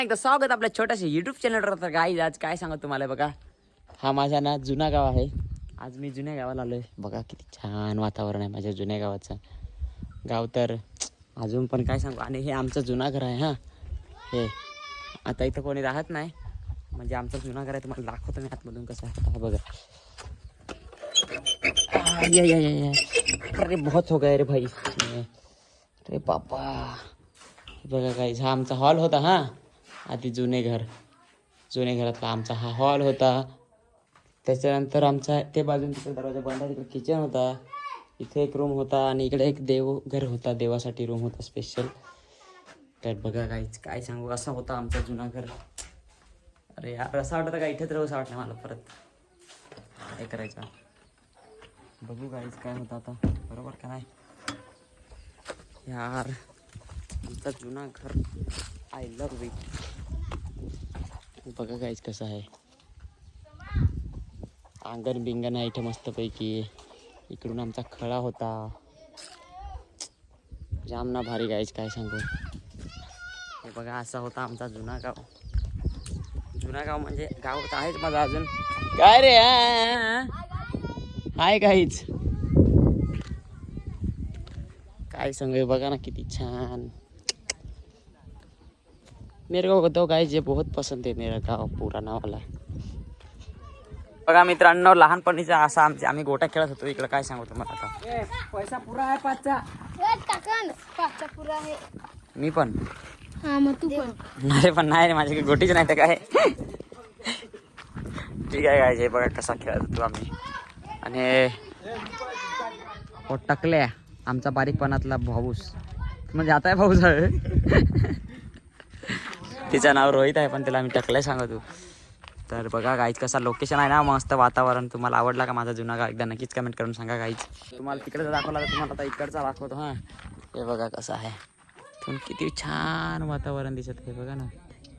एकदा स्वागत आपल्या छोट्याशा युट्यूब चॅनलवर. तर गाईज आज काय सांगू तुम्हाला बघा, हा माझा ना जुना गाव आहे. आज मी जुन्या गावाला आलोय. बघा किती छान वातावरण आहे माझ्या जुन्या गावाचं. गाव तर अजून पण काय सांगू. आणि हे आमचं जुना घर आहे. हा हे आता इथं कोणी राहत नाही, म्हणजे आमचं जुना घर आहे. तुम्हाला दाखवतो मी आतमधून कसं आहे. हा बघा. ये अरे बहुत हो गया रे भाई. अरे बापा बघा गाईज, हा आमचा हॉल होता. हा आधी जुने घरातला आमचा हा हॉल होता. त्याच्यानंतर आमचा ते बाजून तिकडे दरवाजा बंद आहे, तिकडे किचन होता. इथे एक रूम होता आणि इकडे एक देवघर होता, देवासाठी रूम होता स्पेशल. तर बघा काहीच काय सांगू, असा होता आमचा जुना घर. अरे यार असं वाटतं का इथेच राहू, असं वाटलं मला. परत काय करायचं बघू काहीच काय होतं आता. बरोबर का नाही यार, आमचा जुना घर आय लव्ह इट. बघा काहीच कसं आहे. अंगण बिंगण आहे इथे मस्तपैकी. इकडून आमचा खळा होता. जामना भारी गाईच काय सांगू. हे बघा असा होता आमचा जुना गाव. जुना गाव म्हणजे गाव तर आहेच माझा अजून. काय रे हाय काहीच काय सांगू. बघा ना किती छान. मेरे को तो गाइस ये बहुत पसंद है मेरा गाव पुराना वाला. बघा मित्रांनो, लहानपणीचा असा आम्ही गोट्या खेळत होतो इकडे. काय सांगू तुम्हाला आता. पैसा पुरा आहे पाचचा. पाचचा पुरा आहे. मी पण हा मग तू पण. नाही पण नाही रे, माझ्याकडे गोटीच नाही तर काय. ठीक आहे काय. बघा कसा खेळत होतो आम्ही. आणि हो टकल्या आमचा बारीकपणातला भाऊस, म्हणजे आता भाऊस आहे. तिचं नाव रोहित आहे पण तिला आम्ही टकल्या सांगतो. तर बघा गाईच कसा लोकेशन आहे ना, मस्त वातावरण. तुम्हाला आवडला का माझा जुना गाव, एकदा नक्कीच कमेंट करून सांगा गाईच. तुम्हाला तिकडचा दाखवला तर तुम्हाला आता इकडचा दाखवतो. हां हे बघा कसं आहे. पण किती छान वातावरण दिसत आहे बघा ना.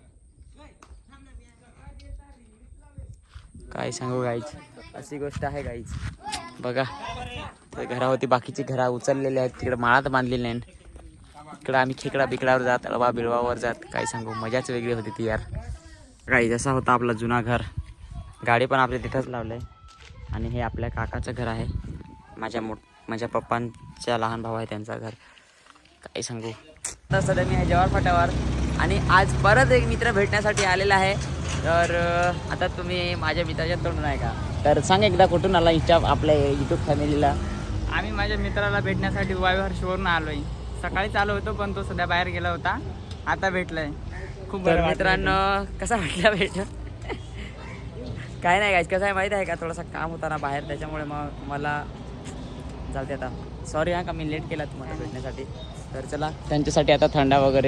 काय सांगू गाईच, अशी गोष्ट आहे गाईच. बघा तर घरावरती बाकीची घरा उचललेली आहेत, तिकडे माळात बांधलेली नाही. इकडं आम्ही खेकडा बिकडावर जात, अळवा बिळवावर जात. काय सांगू, मजाच वेगळी होती ती यार. काही जसा होता आपला जुना घर. गाडी पण आपल्या तिथंच लावलं आहे. आणि हे आपल्या काकाचं घर आहे. माझ्या पप्पांच्या लहान भाऊ आहे त्यांचं घर. काय सांगू. तर सध्या मी आहे जवाहर फाट्यावर आणि आज परत एक मित्र भेटण्यासाठी आलेला आहे. तर आता तुम्ही माझ्या मित्राच्या तोंडून आहे का, तर सांग एकदा कुठून आला आपल्या यूट्यूब फॅमिलीला. आम्ही माझ्या मित्राला भेटण्यासाठी वायहर्षवरून आलोय. सकाळीच आलो होतो पण तो सध्या बाहेर गेला होता, आता भेटलाय. खूप तर बरं मित्रांनो कसा वाटला भेट. काय नाही गाईस, कसं आहे माहीत आहे का, थोडासा काम होता ना बाहेर, त्याच्यामुळे मग मला चालते आता. सॉरी हा का मी लेट केला तुम्हाला भेटण्यासाठी. तर चला त्यांच्यासाठी आता थंडा वगैरे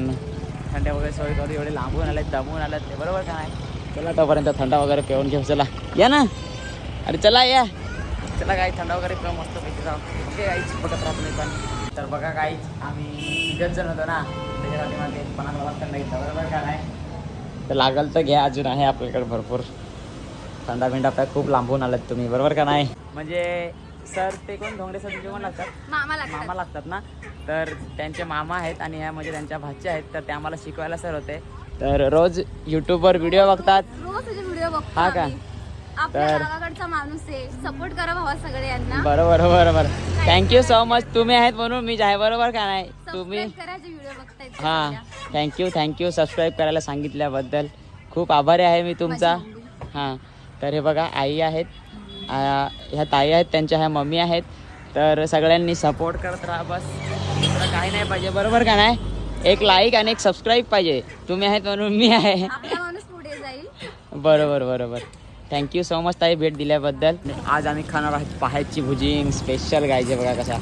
सोय करू. एवढे लांबून आलेत, दमून आलेत ते, बरोबर का नाही. चला तोपर्यंत थंडा वगैरे पिऊन घेऊ. चला या ना, अरे चला या. चला काही थंडा वगैरे पिऊन मस्त पैकी जाऊ. ओके गाईच, बघत राहतो मी पण. तर बघा गाईच, आम्ही 3 जण होतो ना, त्याच्यासाठी माझे 50 थंडा घेतला, बरोबर का नाही. तर लागल तर घ्या, अजून आहे आपल्याकडे भरपूर थंडा बिंडा. आपल्या खूप लांबून आलात तुम्ही, बरोबर का नाही. म्हणजे सर ते कोण धोंगडे सर जेवण लागतात, मामा लागतात ना. तर त्यांचे मामा आहेत आणि ह्या म्हणजे त्यांच्या भाचे आहेत. तर ते आम्हाला शिकवायला सर होते. तर रोज यूट्यूबवर व्हिडिओ बघतात. रोज तुझे व्हिडिओ बघतो हा का. आपल्या गावाकडचा माणूस आहे. सपोर्ट करा भावा सगळे यांना. बरोबर थँक्यू सो मच. तुम्ही आहेत म्हणून मी आहे, बरोबर का नाही. तुम्ही करायचे व्हिडिओ बघताय. हां थँक्यू सबस्क्राईब करायला सांगितल्याबद्दल खूप आभारी आहे मी तुमचा. हां तर हे बघा आई आहेत, ह्या ताई आहेत, त्यांच्या ह्या मम्मी आहेत. तर सगळ्यांनी सपोर्ट करत राहा, बस काही नाही पाहिजे, बरोबर का नाही. एक लाईक आणि एक सबस्क्राईब पाहिजे. तुम्ही आहेत म्हणून मी आहे. आपला माणूस पुढे जाईल. बरोबर थँक्यू सो मच ताई भेट दिल्याबद्दल. आज आम्ही खाणार आहोत पाहायची भुजिंग स्पेशल. गायचे बघा कसा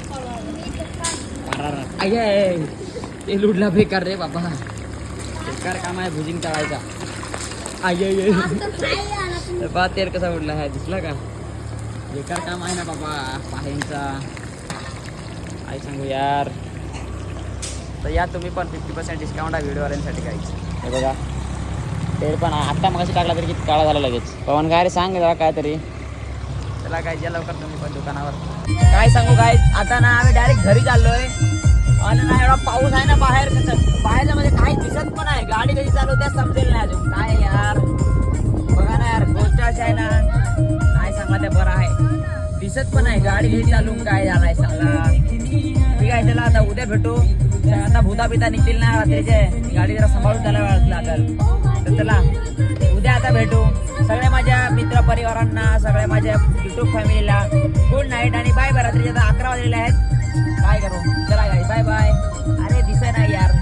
ते लुडला बेकार रे बाबा. बेकार काम आहे भुजिंग तळायचा. बा तेल कसा उडला आहे दिसला का. बेकार काम आहे ना बाबा पाहायचा. काय सांगू यार. तर या तुम्ही पण 50% डिस्काउंट आहे व्हिडिओवाल्यांसाठी काहीच. हे बघा तेल पण आत्ता मगाशी टाकला तरी किती काळा झाला लगेच. पवन काय रे सांग जरा काय तरी. चला काय या लवकर तुम्ही पण दुकानावर. काय सांगू काय, आता ना आम्ही डायरेक्ट घरी चाललोय. आलं नाही एवढा पाऊस आहे ना बाहेर बाहेरच्या मध्ये काही दिसत पण आहे गाडी कधी चालवते समजेल नाही अजून काय यार बघा ना यार गोष्ट अशी आहे ना नाही सांगा ते बरं आहे दिसत पण आहे गाडी कधी चालून काय झालाय सांगा ठीक आहे चला आता उद्या भेटू आता भूता बिता निघतील ना रात्रीचे गाडी जरा सांभाळून त्याला वेळ लागेल तर चला उद्या आता भेटू सगळ्या माझ्या मित्र परिवारांना सगळ्या माझ्या युट्यूब फॅमिलीला गुड नाईट आणि बाय बाय रात्रीचे आता 11 वाजलेले आहेत काय करू चला गाडी बाय बाय अरे दिसे नाही यार